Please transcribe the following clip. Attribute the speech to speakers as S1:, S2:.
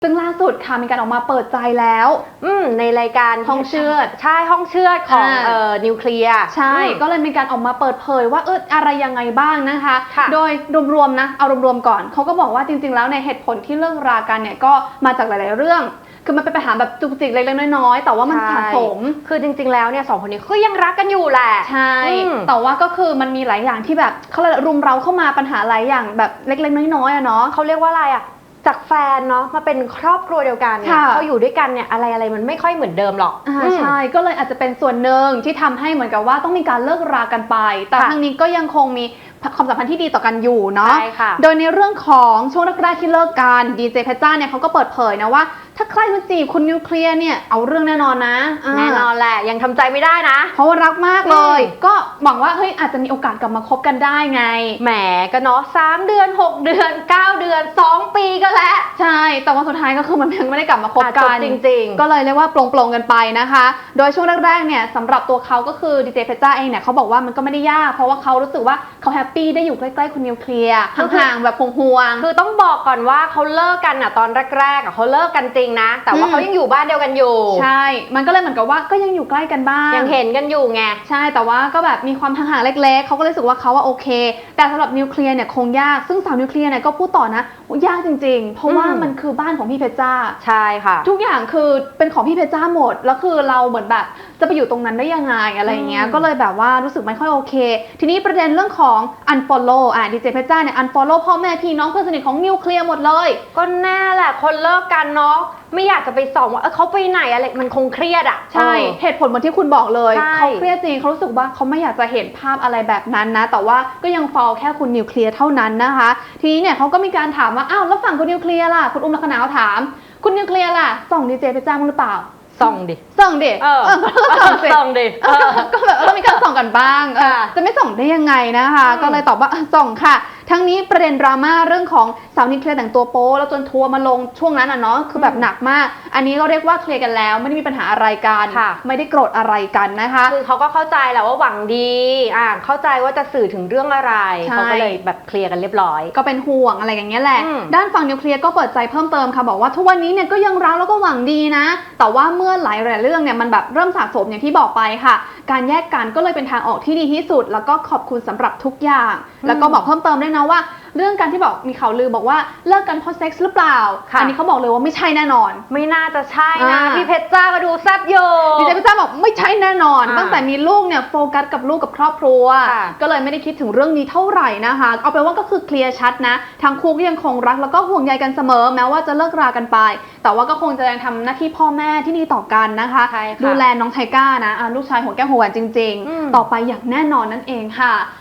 S1: ซึ่งล่าสุดค่ะมีการออกมาเปิดใจแล้ว
S2: ในรายการ
S1: ห้องเชือด
S2: ใช่ห้องเชือดของนิวเคลียร์
S1: ใช่ก็เลยมีการออกมาเปิดเผยว่าอะไรยังไงบ้างนะคะโดยรวมๆนะเอารวมๆก่อนเขาก็บอกว่าจริงๆแล้วในเหตุผลที่เลิกรากันเนี่ยก็มาจากหลายๆเรื่องคือมันเป็นปัญหาแบบจุกจิกเล็กๆน้อยๆแต่ว่ามันสะสม
S2: คือจริงๆแล้วเนี่ยสองคนนี้ก็ยังรักกันอยู่แหละ
S1: ใช่แต่ว่าก็คือมันมีหลายอย่างที่แบบเขาเลยรุมเร้าเข้ามาปัญหาหลายอย่างแบบเล็กๆน้อยๆอะเนาะ
S2: เขาเรียกว่าอะไรอะจากแฟนเนาะมาเป็นครอบครัวเดียวกันพออยู่ด้วยกันเนี่ยอะไรมันไม่ค่อยเหมือนเดิมหรอก
S1: ใช่ก็เลยอาจจะเป็นส่วนหนึ่งที่ทำให้เหมือนกับว่าต้องมีการเลิกรากันไปแต่ทั้งนี้ก็ยังคงมีความสัมพันธ์ที่ดีต่อกันอยู่เนาะโดยในเรื่องของช่วงแรกๆที่เลิกกันดีเจเพชรจ้าเนี่ยเขาก็เปิดเผยนะว่าถ้าใครมาจีบคุณนิวเคลียร์เนี่ยเอาเรื่องแน่นอนนะ
S2: แน่นอนแหละยังทำใจไม่ได้นะ
S1: เพราะว่ารักมากเลยก็หวังว่าเฮ้ยอาจจะมีโอกาสกลับมาคบกันได้ไง
S2: แหมก็เนาะ3 เดือน 6 เดือน 9 เดือน 2 ปีก็แล้ว
S1: ใช่แต่ว่าสุดท้ายก็คือมันยังไม่ได้กลับมาคบกัน
S2: จริง
S1: ๆก็เลยเรียกว่าปลงกันไปนะคะโดยช่วงแรกๆเนี่ยสำหรับตัวเขาก็คือดีเจเพชรจ้าเองเนี่ยเขาบอกว่ามันก็ไม่ได้ยากเพราะว่าเขารู้สึกว่าเขาแฮปปี้ได้อยู่ใกล้ๆคุณนิวเคลียร์ห่างๆแบบห่วง
S2: ๆคือต้องบอกก่อนว่าเขาเลิกกันอ่ะตอนแรกๆเขาเลิกกันจริงนะแต่ว่าเขายังอยู่บ้านเดียวกันอยู่
S1: ใช่มันก็เลยเหมือนกับว่าก็ยังอยู่ใกล้กันบ้าง
S2: ยังเห็นกันอยู่ไง
S1: ใช่แต่ว่าก็แบบมีความห่างๆเล็กๆเขาก็รู้สึกว่าเขาว่าโอเคแต่สำหรับนิวเคลียร์เนี่ยคงยากซึ่งสาวนิวเคลียร์เนี่ยก็พูดต่อนะยากจริงๆเพราะว่ามันคือบ้านของพี่เพชรจ้า
S2: ใช่ค่ะ
S1: ทุกอย่างคือเป็นของพี่เพชรจ้าหมดแล้วคือเราเหมือนแบบจะไปอยู่ตรงนั้นได้ยังไงอะไรเงี้ยก็เลยแบบว่ารู้สึกไม่ค่อยโอเคทีนี้ประเด็นเรื่องของ unfollow ดีเจเพชรจ้าเนี่ย unfollow พ่อแม่พี่น้องเพื่อนสนิทของนิวเคลียร์หมดเลย
S2: ก็แน่แหละคนเลิกกันเนาะไม่อยากจะไปส่องว่าเขาไปไหนอะไรมันคงเครียดอ่ะ
S1: ใช่เหตุผลเหมือนที่คุณบอกเลยเขาเครียดจริงเขารู้สึกว่าเขาไม่อยากจะเห็นภาพอะไรแบบนั้นนะแต่ว่าก็ยังฟอลแค่คุณนิวเคลียร์เท่านั้นนะคะทีนี้เนี่ยเขาก็มีการถามว่าอ้าวแล้วฝั่งคุณนิวเคลียร์ล่ะคุณอุ้มลักษณะเขาถามคุณนิวเคลียร์ล่ะส่องดีเจเพชรจ้ามั้งหรือเปล่า
S2: ส่องดิ
S1: ส่องดิ
S2: ส่องดิ
S1: ก็แบบต้องมีการส่องกันบ้างจะไม่ส่องได้ยังไงนะคะก็เลยตอบว่าส่องค่ะทั้งนี้ประเด็นดราม่าเรื่องของสาวนิวเคลียร์แต่งตัวโป๊แล้วจนทัวร์มาลงช่วงนั้นอ่ะเนาะคือแบบหนักมากอันนี้ก็เรียกว่าเคลียร์กันแล้วไม่ได้มีปัญหาอะไรกันไม่ได้โกรธอะไรกันนะคะ
S2: คือเขาก็เข้าใจแหละว่าหวังดีเข้าใจว่าจะสื่อถึงเรื่องอะไรเขาก็เลยแบบเคลียร์กันเรียบร้อย
S1: ก็เป็นห่วงอะไรอย่างเงี้ยแหละด้านฝั่งนิวเคลียร์ก็เปิดใจเพิ่มเติมค่ะบอกว่าทุกวันนี้เนี่ยก็ยังรักแล้วก็หวังดีนะแต่ว่าเมื่อหลายเรื่องเนี่ยมันแบบเริ่มสะสมอย่างที่บอกไปค่ะการแยกกันก็เลยเป็นทางออกที่ดีที่สุดแล้วก็ขอบคุณสำหรับทุกอย่างแล้วก็บอกเพิ่มเติมด้วยนะว่าเรื่องการที่บอกมีข่าวลือบอกว่าเลิกกันเพราะเซ็กส์หรือเปล่าอันนี้เขาบอกเลยว่าไม่ใช่แน่นอน
S2: ไม่น่าจะใช่นะพี่เพชรจ้ามาดูแซ่บโย
S1: ดีเจเพชรจ้าบอกไม่ใช่แน่นอนตั้งแต่มีลูกเนี่ยโฟกัสกับลูกกับครอบครัวก็เลยไม่ได้คิดถึงเรื่องนี้เท่าไหร่นะคะเอาเป็นว่าก็คือเคลียร์ชัดนะทั้งคู่ก็ยังคงรักแล้วก็ห่วงใยกันเสมอแม้ว่าจะเลิกรากันไปแต่ว่าก็คงจะยังทำหน้าที่พ่อแม่ที่ดีต่อกันนะคะดูแลน้องไทก้านะลูกชายหัวแก้วหัวแหวนจริงๆต่อไปอย่างแน่นอนนั่นเองค่ะ